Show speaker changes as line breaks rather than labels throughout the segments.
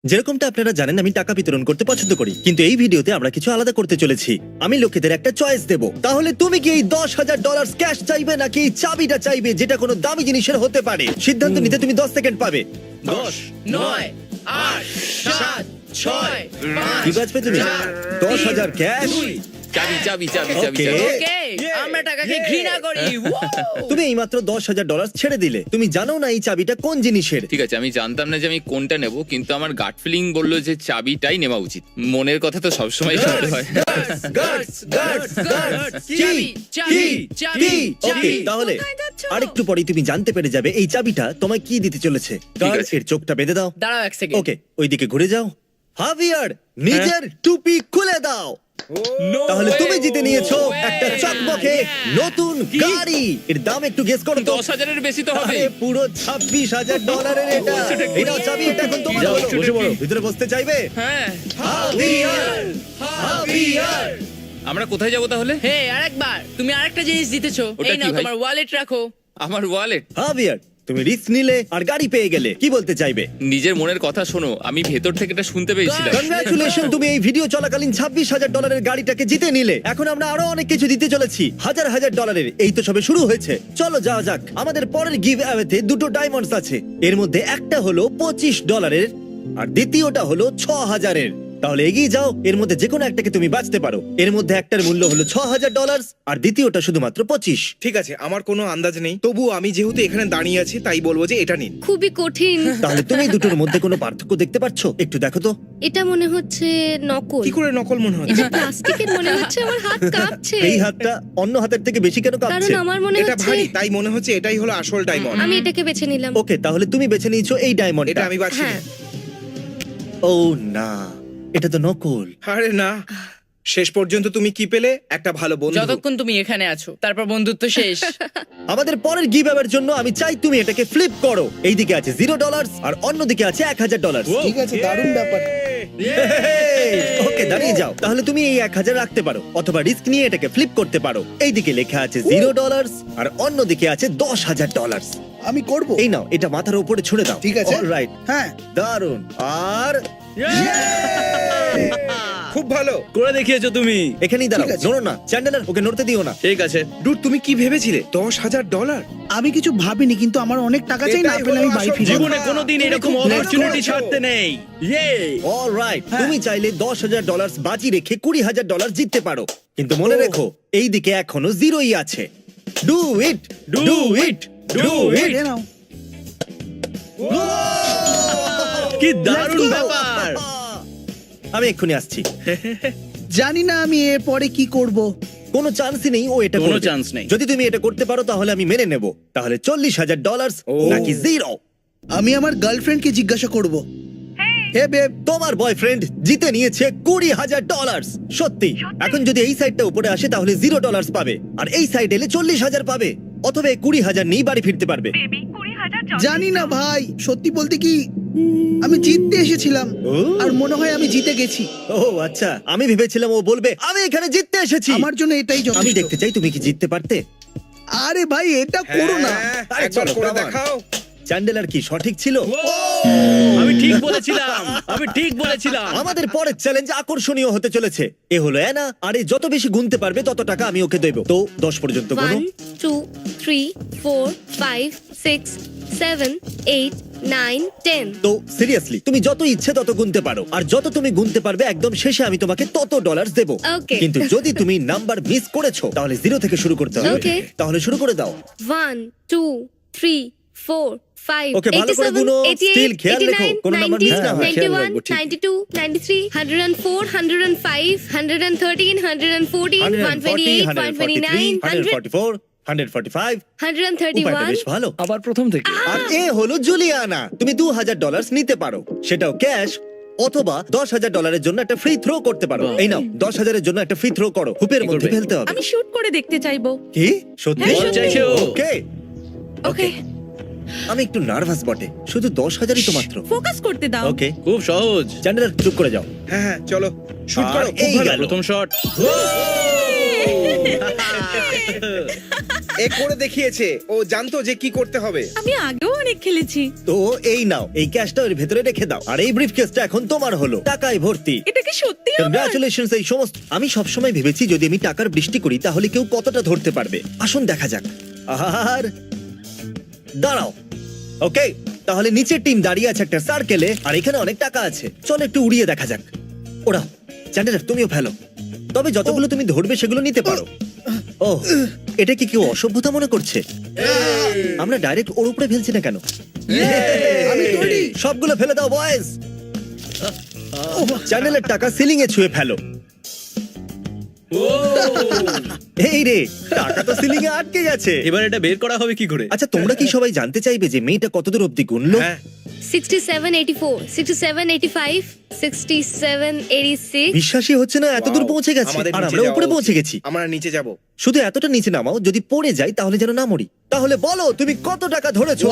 যেরকমটা আপনারা জানেন আমি টাকা বিতরণ করতে পছন্দ করি, কিন্তু এই ভিডিওতে আমরা কিছু আলাদা করতে চলেছি। আমি লোকেদের একটা চয়েস দেব। তাহলে তুমি কি এই $10,000 ক্যাশ চাইবে নাকি এই চাবিটা চাইবে, যেটা কোনো দামি জিনিসের হতে পারে? সিদ্ধান্ত নিতে তুমি 10 সেকেন্ড পাবে।
10, 9, 8, 7, 6,
কি বাজবে তুমি? 10,000 ক্যাশ।
চাবি চাবি চাবি চাবি
Okay.
চাবি।
ওকে আমরা টাকাকে ঘৃণা করি
তুমি এইমাত্র $10,000 ছেড়ে দিলে। তুমি জানো না এই চাবিটা কোন জিনিসের।
ঠিক আছে, আমি জানতাম না যে আমি কোনটা নেব, কিন্তু আমার গাট ফিলিং বললো যে চাবিটাই নেওয়া উচিত। মনের কথা তো সবসময় শুনতে হয়।
চাবি, চাবি, চাবি,
ওকে,
চাবি।
তাহলে
কোথায় যাচ্ছ?
আরেকটু পরে তুমি জানতে পেরে যাবে এই চাবিটা তোমায় কি দিতে চলেছে। কার
আছে।
এর চোখটা বেঁধে দাও।
দাঁড়াও এক সেকেন্ড
ওকে, ওইদিকে ঘুরে যাও। হাভিয়ার, নিজের টুপি খুলে দাও। তাহলে তুমি জিতে নিয়েছো একটা চকমকে নতুন গাড়ি। এর দাম একটু গেস করো তো।
10,000-এর বেশি তো হবে।
আরে পুরো $26,000 এটা। এটা চাবি, এটা এখন তোমার
যাও,
হলো।
বসে পড়ো।
ভিতরে বসতে চাইবে?
হ্যাঁ,
হাভিয়ার।
আমরা কোথায় যাব তাহলে?
হে আরেকবার তুমি আরেকটা জিনিস জিতেছো।
ওটা
এই
কি
নাও
ভাই?
তোমার ওয়ালেট রাখো।
আমার ওয়ালেট।
হাভিয়ার, তুমি রিস্ক নিলে আর গাড়ি পেয়ে গেলে। কি বলতে চাইবে?
নিজের মনের কথা শোনো, আমি ভেতর থেকে এটা শুনতে পেয়েছিলাম।
কংগ্রাচুলেশন, তুমি এই ভিডিও চলাকালীন $26,000 গাড়িটাকে জিতে নিলে। এখন আমরা আরো অনেক কিছু দিতে চলেছি, হাজার হাজার ডলারের। এই তো সবে শুরু হয়েছে। চলো যাওয়া যাক। আমাদের পরের গিভ অ্যাওয়েতে দুটো ডায়মন্ডস আছে। এর মধ্যে একটা হলো $25 আর দ্বিতীয়টা হলো 6,000। তাহলে এগিয়ে যাও, এর মধ্যে যে কোনো একটাকে তুমি বাঁচতে পারো। এর মধ্যে একটার মূল্য হলো $6,000 আর দ্বিতীয়টা শুধুমাত্র 25।
ঠিক আছে, আমার কোনো আন্দাজ নেই, তবু আমি যেহেতু এখানে দাঁড়িয়ে আছি তাই বলবো যে এটা নিন।
খুবই কঠিন।
তাহলে তুমি দুটোর মধ্যে কোনো পার্থক্য দেখতে পাচ্ছ? একটু দেখো তো।
এটা মনে হচ্ছে নকল।
কি করে নকল মনে হচ্ছে?
এটা প্লাস্টিকের মনে হচ্ছে। আমার হাত কাঁপছে।
এই হাতটা অন্য হাতের থেকে বেশি কেন
কারণ
কাঁপছে?
আমার মনে
এটা
হচ্ছে
ভারী, তাই মনে হচ্ছে এটাই হলো আসল ডায়মন্ড।
আমি এটাকে বেছে নিলাম।
ওকে, তাহলে তুমি বেছে নিয়েছো এই
এটা
ডায়মন্ডটা।
আমি বাছি।
হ্যাঁ।
ও না, এটা তো নকল।
আরে না, শেষ পর্যন্ত তুমি কি পেলে? একটা ভালো বন্ধু।
যতক্ষণ তুমি এখানে আছো তারপর বন্ধুত্ব শেষ।
আমাদের পরের গিভ অ্যাওয়ের জন্য আমি চাই তুমি এটাকে ফ্লিপ করো। এইদিকে আছে $0 আর অন্যদিকে আছে $1,000।
ঠিক আছে, দারুণ ব্যাপার।
ওকে, দাঁড়িয়ে যাও। তাহলে তুমি এই 1,000 রাখতে পারো অথবা রিস্ক নিয়ে এটাকে ফ্লিপ করতে পারো। এইদিকে লেখা আছে $0 আর অন্যদিকে আছে $10,000।
আমি করব।
এই নাও, এটা মাথার উপরে ছুঁড়ে দাও।
ঠিক আছে।
অলরাইট,
হ্যাঁ,
দারুন। আর
খুব ভালো।
করে দেখিয়েছো তুমি।
এখানেই দাঁড়াও,
ঠিক আছে।
নড়ো না। চ্যান্ডেলার, ওকে নড়তে দিও না।
ঠিক আছে।
ডুড, তুমি কি ভেবেছিলে? $10,000?
আমি কিছু ভাবিনি, কিন্তু আমার অনেক টাকা চাই, না
এটাই
পেলে আমি
হলো
বাড়ি
আসল
ফিরে যাবো।
জীবনে কোনোদিন
তুমি
এরকম
খুব ভালো
অপরচুনিটি
করেছো।
ছাড়তে নেই। ইয়ে।
অলরাইট, তুমি চাইলে $10,000 বাজি রেখে $20,000 জিততে পারো, কিন্তু মনে রেখো এই দিকে এখনো জিরোই আছে। Do it, do it, do
এই
ইট।
রে নাও।
কি দারুণ ব্যাপার।
আমি এক্ষুনি আসছি।
জানি না আমি এর পরে কি করব।
কোনো চান্সই নেই ও এটা
কোনো
করবে।
chance নেই।
যদি তুমি এটা করতে পারো তাহলে আমি মেনে নেব। তাহলে $40,000 নাকি জিরো?
আমি আমার গার্লফ্রেন্ডকে জিজ্ঞাসা করব। হে বেব,
তোমার বয়ফ্রেন্ড জিতে নিয়েছে $20,000। সত্যি? এখন যদি এই সাইডটা উপরে আসে তাহলে $0 পাবে, আর এই সাইড এলে 40,000 পাবে, অথবা 20,000 নিয়ে বাড়ি ফিরতে পারবে।
জানি না ভাই, সত্যি বলতে কি আমি জিততে এসেছিলাম
ও।
আর মনে হয় আমি জিতে গেছি।
ও আচ্ছা, আমি ভেবেছিলাম ও বলবে আমি এখানে জিততে এসেছি।
আমার জন্য এটাই
আমি
যথেষ্ট।
দেখতে চাই তুমি কি জিততে পারতে।
আরে ভাই, এটা করো না।
হ্যাঁ,
আরে
একবার
চলো,
করে
come on.
দেখাও।
চ্যান্ডেলার কি সঠিক ছিল?
আমি ঠিক বলেছিলাম, আমি ঠিক বলেছিলাম।
আমাদের পরের চ্যালেঞ্জ আকর্ষণীয় হতে চলেছে। এ হলো অ্যানা, আর এ যত বেশি গুনতে পারবে তত টাকা আমি ওকে দেব। তো 10 পর্যন্ত গুনো।
1 2 3 4 5 6 7 8 9 10।
তো সিরিয়াসলি তুমি যত ইচ্ছে তত গুনতে পারো, আর যত তুমি গুনতে পারবে একদম শেষে আমি তোমাকে তত ডলার দেব।
Okay.
কিন্তু যদি তুমি নাম্বার মিস করেছো তাহলে 0 থেকে শুরু করতে হবে।
Okay.
তাহলে শুরু করে দাও।
1 2 3 4 5
Okay, ভালো করে
87
গুনো।
88
Still খেয়াল রেখো,
89
কোনো নাম্বার মিস না হয়।
91 92 93 104 105 113 114 128 129
144, 145। উপায়টা বেশ
131
ভালো।
আবার প্রথম থেকে।
আর এ হলো জুলিয়ানা। তুমি $2,000 নিতে পারো, সেটাও ক্যাশ, অথবা $10,000 জন্য একটা ফ্রি থ্রো করতে পারো। এই নাও, 10,000 জন্য একটা ফ্রি থ্রো করো। হুপের
কি
মধ্যে
করবে?
ফেলতে হবে।
আমি শুট করে দেখতে চাইবো।
কি সত্যি?
হ্যাঁ, সত্যি।
চাইছো?
ওকে,
ওকে
আমি একটু নার্ভাস বটে। শুধু 10,000ই তো মাত্র।
ফোকাস করতে দাও।
ওকে,
খুব সহজ।
চ্যান্ডেলার চুপ করে যাও।
হ্যাঁ হ্যাঁ, চলো শুট
আর
করো। খুব
এই
ভালো।
গেল।
প্রথম শট।
এ করে দেখিয়েছে, ও জানতো যে কি করতে হবে।
আমি আগেও অনেক খেলেছি।
তো এই নাও, এই ক্যাশটা এর ভেতরে রেখে দাও, আর এই ব্রিফকেসটা এখন তোমার হলো, টাকায় ভর্তি।
এটা কি সত্যি আমার?
কংগ্রাচুলেশনস এই সমস্ত। আমি সবসময় ভেবেছি যদি আমি টাকার বৃষ্টি করি তাহলে কেউ কতটা ধরতে পারবে। আসুন দেখা যাক। আর দাঁড়াও, ওকে, তাহলে নিচের টিম দাঁড়িয়ে আছে একটা সার্কেলে, আর এখানে অনেক টাকা আছে। চলো একটু উড়িয়ে দেখা যাক। ওরা চ্যান্ডেলার, তুমিও ফেলো, তবে যতগুলো তুমি ধরবে সেগুলো নিতে পারো। ও, এটা কি কেউ অসভ্যতা মনে করছে? আমরা ডাইরেক্ট ওর উপরে ফেলছি না কেন?
আমি তৈরি।
সবগুলো ফেলে দাও বয়েজ। চ্যানেলের টাকা সিলিং এ ছুঁয়ে ফেলো। এই রে, টাকা তো সিলিং এ আটকে গেছে।
এবার এটা বের করা হবে কি করে?
আচ্ছা, তোমরা কি সবাই জানতে চাইবে যে মেয়েটা কতদূর অব্দি গুনলো?
হ্যাঁ
67, 84, 67, 85, 67, 86.
বিশ্বাসই হচ্ছে না, এতদূর
Wow,
পৌঁছে গেছে।
আমাদের
আর
নিচে
আমরা
যাওয়া
উপরে
উচিত।
পৌঁছে গেছি।
আমরা নিচে যাব।
শুধু এতটা নিচে নামাও, যদি পড়ে যাই তাহলে যেন না মরি। তাহলে বলো তুমি কত টাকা ধরেছো?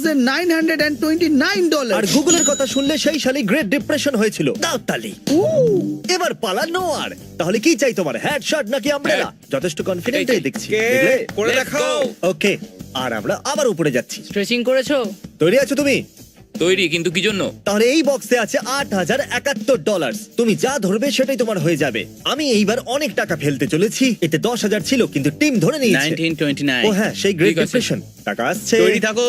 $1,929.
আর গুগলের কথা শুনলে সেই সালে গ্রেট ডিপ্রেশন হয়েছিল। দাও তালি। এবার পালানো। আর তাহলে কি চাই তোমার, হেডশট নাকি আমব্রেলা? যথেষ্ট কনফিডেন্ট দেখছি।
কে
দেখলে?
করে
Let's
দেখাও।
go.
ওকে, আর আমরা আবার উপরে যাচ্ছি।
স্ট্রেচিং করেছো?
তৈরি আছো তুমি?
তৈরি, কিন্তু কি জন্য?
তাহলে এই বক্সে আছে $8,071। তুমি যা ধরবে সেটাই তোমার হয়ে যাবে। আমি এইবার অনেক টাকা ফেলতে চলেছি। এতে 10,000 ছিল, কিন্তু টিম ধরে নিয়েছে।
1929।
ও হ্যাঁ, সেই গ্রেট
ঠিক আছে।
ডিপ্রেশন। টাকা আসছে।
তৈরি থাকো।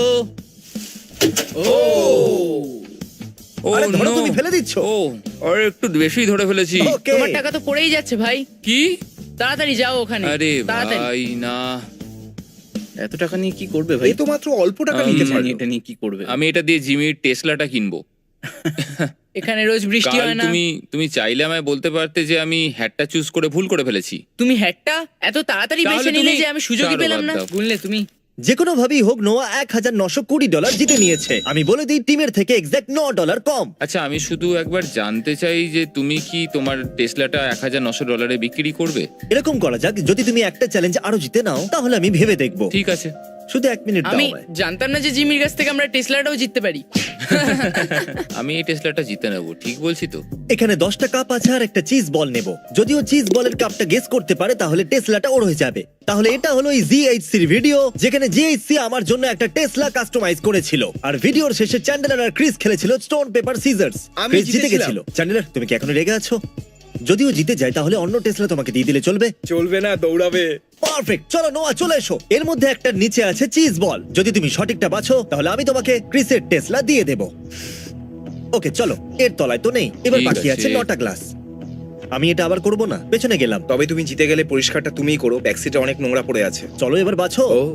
ও
আরে ধরো,
no!
তুমি ফেলে দিচ্ছ।
ও, আর একটু বেশি ধরে ফেলেছি।
ওকে।
তোমার টাকা তো পড়েই যাচ্ছে ভাই।
কি?
তাড়াতাড়ি যাও ওখানে।
আরে
তাড়াতাড়ি।
ভাই না,
এত টাকা নিয়ে কি করবে ভাই?
এই তো মাত্র অল্প টাকা
আমি
নিতে
জানি
পারলো।
এটা নিয়ে কি করবে।
আমি এটা দিয়ে জিমির টেসলাটা কিনবো।
এখানে রোজ বৃষ্টি
কাল
হয় না।
তুমি চাইলে আমায় বলতে পারতে যে আমি হ্যাটটা চুজ করে ভুল করে ফেলেছি।
তুমি হ্যাটটা এত তাড়াতাড়ি
তাহলে
বেছে নিলে
তুমি-
যে আমি সুযোগই
ছাড়ো,
পেলাম
বাদ
না।
দাও।
বুঝলে তুমি?
যে কোনো ভাবেই হোক, নোয়া $1,920 জিতে নিয়েছে। আমি বলে দিই, টিমের থেকে এক্সাক্ট $9 কম।
আচ্ছা, আমি শুধু একবার জানতে চাই যে তুমি কি তোমার টেসলাটা $1,900 বিক্রি করবে?
এরকম করা যাক, যদি তুমি একটা চ্যালেঞ্জ আরো জিতে নাও তাহলে আমি ভেবে দেখবো।
ঠিক আছে।
শুধু 1 মিনিট দাও
আমি
আমায়।
জানতাম না যে জিমির কাছ থেকে আমরা টেসলাটাও জিততে পারি।
আমি এই টেসলাটা জিতে নেবো, ঠিক বলছি তো?
এখানে 10টা কাপ আছে আর একটা চিজ বল নেব। যদিও চিজ বলের কাপটা গেস করতে পারে তাহলে টেসলাটা ওর হয়ে যাবে। তাহলে এটা হলো এই জিএইচসির ভিডিও, যেখানে জিএইচসি আমার জন্য একটা টেসলা কাস্টমাইজ করেছিল। আর ভিডিওর শেষে চ্যান্ডেলার আর ক্রিস খেলেছিল স্টোন পেপার সিজার্স।
আমি
ক্রিস জিতে
জিতেছিলাম।
গেছিল। চ্যান্ডেলার, তুমি কি এখনো রেগে আছো? যদিও জিতে যায় তাহলে অন্য টেসলা তোমাকে দিয়ে দিলে চলবে।
চলবে না, দৌড়াবে।
পারফেক্ট, চলো নোয়া চলে এসো। এর মধ্যে একটা নিচে আছে চিজ বল। যদি তুমি সঠিকটা বাছো তাহলে আমি তোমাকে ক্রিসের টেসলা দিয়ে দেব। ওকে চলো, এর তলায় তো নেই। এবার
ঠিক
বাকি আছে
আছে।
9টা গ্লাস। আমি এটা আবার করব না, পেছনে গেলাম।
তবে তুমি জিতে গেলে পরিষ্কারটা তুমিই করো, ব্যাকসিটে অনেক নোংরা পড়ে আছে।
চলো এবার বাছো।
ও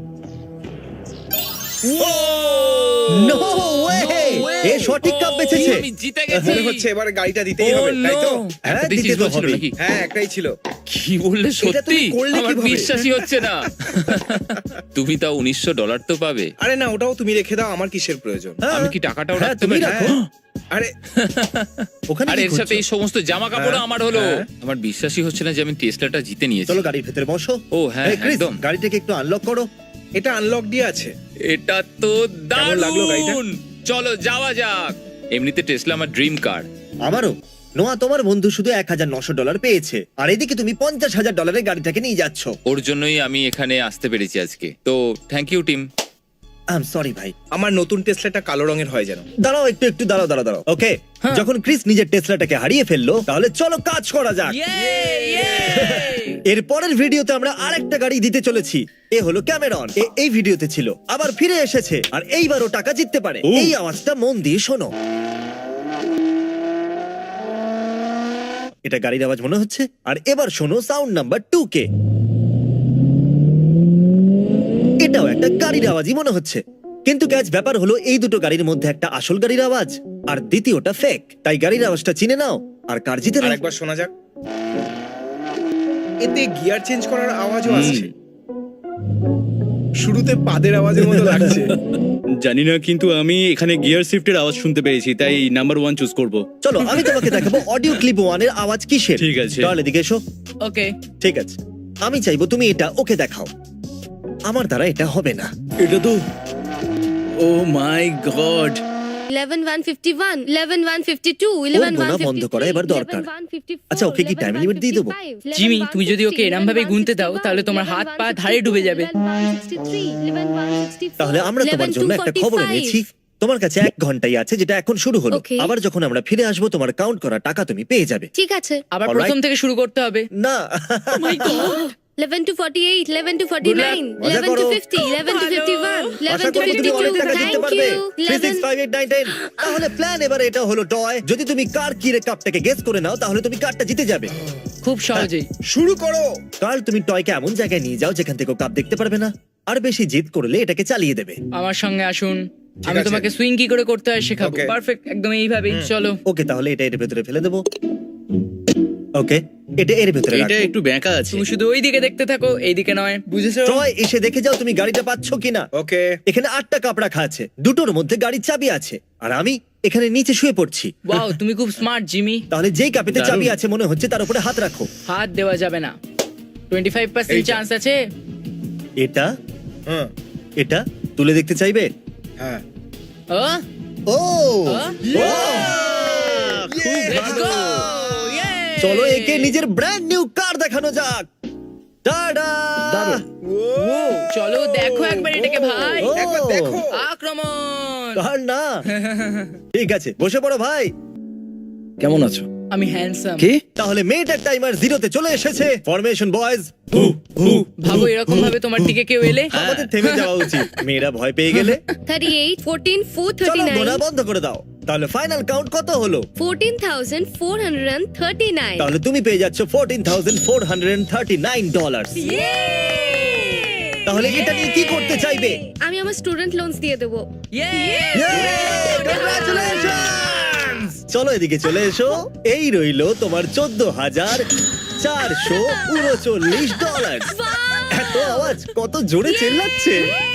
নো ওয়ে, এ সঠিক কাপ বেঁচেছে।
আমি জিতে গেছি।
মনে হচ্ছে এবার গাড়িটা দিতেই হবে,
Oh,
তাই তো?
no!
হ্যাঁ,
একটা
দিতে
চিজ
তো
বলছিল
হবেই।
নাকি?
হ্যাঁ, একটাই ছিল।
কি বললে
এটা তুমি
সত্যি?
করলে
আমার
কিভাবে?
বিশ্বাসই হচ্ছে না। তুমি তাও $1900 তো পাবে।
আরে না, ওটাও তুমি রেখে দাও, আমার কিসের প্রয়োজন?
হ্যাঁ,
আমি কি টাকাটাও
হ্যাঁ,
রাখতে
তুমি
পারি?
রাখো।
আরে
ওখানে
আর
কি
এর সাথে
করছো?
এই সমস্ত জামা কাপড়
হ্যাঁ,
আমার হলো।
হ্যাঁ।
আমার বিশ্বাসই হচ্ছে না যে আমি টেসলাটা জিতে নিয়েছি।
চলো গাড়ির ভেতরে বসো।
ও হ্যাঁ,
এই, ক্রিস,
একদম।
গাড়িটাকে একটু আনলক করো।
এটা আনলক দিয়ে আছে।
এটা তো
কেমন লাগলো গাড়িটা?
দারুণ। চলো যাওয়া যাক। এমনিতে টেসলা আমার ড্রিম কার।
আমারও। নোয়া, তোমার বন্ধু শুধু $1,900 পেয়েছে, আর এদিকে তুমি $50,000 গাড়িটাকে নিয়ে যাচ্ছ।
ওর জন্যই আমি এখানে আসতে পেরেছি আজকে। তো thank you team.
I am sorry ভাই।
আমার নতুন টেসলাটা কালো রঙের হয় যেন।
দাঁড়াও একটু দাঁড়াও। ওকে, যখন ক্রিস নিজের টেসলাটাকে হারিয়ে ফেললো তাহলে চলো কাজ করা যাক। এর পরের ভিডিওতে আমরা আরেকটা গাড়ি দিতে চলেছি। এ হলো ক্যামেরন। এই ভিডিওতে ছিল, আবার ফিরে এসেছে, আর এইবারও টাকা জিততে পারে। এই আওয়াজটা মন দিয়ে শোনো। এটা গাড়ির আওয়াজ মনে হচ্ছে। আর এবার শোনো সাউন্ড নাম্বার 2 কে। এটাও একটা গাড়ির আওয়াজই মনে হচ্ছে। কিন্তু ক্যাচ ব্যাপার হলো, এই দুটো গাড়ির মধ্যে একটা আসল গাড়ির আওয়াজ আর দ্বিতীয়টা ফেক। তাই গাড়ির আওয়াজটা চিনে নাও আর কার জিতে নাও।
আরেকবার শোনা যাক। এতে গিয়ার চেঞ্জ করার আওয়াজও আসছে। শুরুতে পাদের আওয়াজের মতো লাগছে।
জানি না, কিন্তু আমি এখানে গিয়ার শিফটের আওয়াজ শুনতে পেয়েছি, তাই নাম্বার 1 চুজ করব।
চলো আমি তোমাকে দেখাবো অডিও ক্লিপ 1 এর আওয়াজ কিসের।
ঠিক আছে।
তাহলে এদিকে এসো।
ওকে।
ঠিক আছে, আমি চাইবো তুমি এটা ওকে দেখাও। আমার দ্বারা এটা হবে না।
এটা তো, ও মাই গড,
11,151, 11,152, 11,153,
বন্ধ করা এবার দরকার।
11,154,
আচ্ছা, ওকে কি time limit দিয়ে দেবো?
11,155,
জিমি, তুমি যদি ওকে এরম ভাবে গুনতে দাও, তাহলে তোমার হাত পা ধারে ডুবে যাবে।
11,163, 11,164,
তাহলে আমরা তোমার জন্য একটা খবর
11,245
এনেছি। তোমার কাছে 1 ঘন্টাই আছে, যেটা এখন শুরু হলো।
Okay.
আবার যখন আমরা ফিরে আসবো, তোমার কাউন্ট করা টাকা তুমি পেয়ে যাবে।
ঠিক আছে।
আবার
Alright.
প্রথম থেকে শুরু করতে হবে।
না
11 to 48, 11 to 49,
মজা
11 to
করো।
50, 11 to 51,
আশা
11 to
করি তুমি অনেক
52.
টাকা জিততে
Thank
পারবে।
you.
3, 6,
11.
5, 8, 9, 10। তাহলে প্ল্যান এবারে এটা হলো টয়। যদি তুমি কার কিরে কাপটাকে গেস করে নাও, তাহলে তুমি কারটা জিতে যাবে।
খুব সহজেই।
শুরু করো।
কাল তুমি টয়কে এমন জায়গায় নিয়ে যাও যেখান থেকে ও কাপ দেখতে পারবে না। আর বেশি জিদ করলে এটাকে চালিয়ে দেবে।
আমার সঙ্গে আসুন, আমি
আছে।
তোমাকে সুইং কি করে করতে হয় শেখাবো।
Okay.
পারফেক্ট, একদম এইভাবেই। চলো।
ওকে, তাহলে এটা এর ভেতরে ফেলে দেবো। ওকে, এটা এর ভেতরে
এটা
রাখো।
একটু ব্যাঁকা আছে।
তুমি শুধু ওই দিকে দেখতে থাকো, এই দিকে নয়।
বুঝেছো?
টয়, এসে দেখে যাও তুমি গাড়িটা পাচ্ছ কিনা।
ওকে।
এখানে 8টা কাপ রাখা আছে, দুটোর মধ্যে গাড়ির চাবি আছে, আর আমি এখানে নিচে শুয়ে পড়ছি।
ওয়াও, তুমি খুব স্মার্ট জিমি।
তাহলে যেই কাপেতে
দারুণ।
চাবি আছে মনে হচ্ছে তার উপরে হাত রাখো।
হাত দেওয়া যাবে না। 25%
এইটা।
চান্স আছে।
এটা
হ্যাঁ
এটা তুলে দেখতে চাইবে?
হ্যাঁ।
ও,
ও
খুব
লেটস
ভালো।
গো। Yay!
চলো একে নিজের ব্র্যান্ড নিউ কার দেখানো যাক। টাডা!
চলো দেখো একবার এটাকে ভাই।
ও,
একবার দেখো।
আক্রমণ।
কার না। ঠিক আছে, বসে পড়ো ভাই।
কেমন আছো?
আমি হ্যান্ডসাম।
কি?
তাহলে মেয়েটার টাইমার 0-তে চলে এসেছে। Formation boys.
ভাবো এরকম ভাবে তোমার দিকে কেউ এলে।
আমাদের থেমে যাওয়া উচিত। মেয়েরা ভয় পেয়ে গেলে
38, 14, 4,
চলো গোনা
39,
বন্ধ করে দাও। তাহলে ফাইনাল কাউন্ট কত হলো?
14,439.
তাহলে তুমি পেয়ে যাচ্ছ $14,439। তাহলে এটা নিয়ে কি করতে চাইবে?
আমি আমার স্টুডেন্ট লোনস দিয়ে দেবো।
Congratulations! চলো এদিকে চলে এসো। এই রইলো তোমার $14,439। এত আওয়াজ, কত জোরে চেল্লাচ্ছে।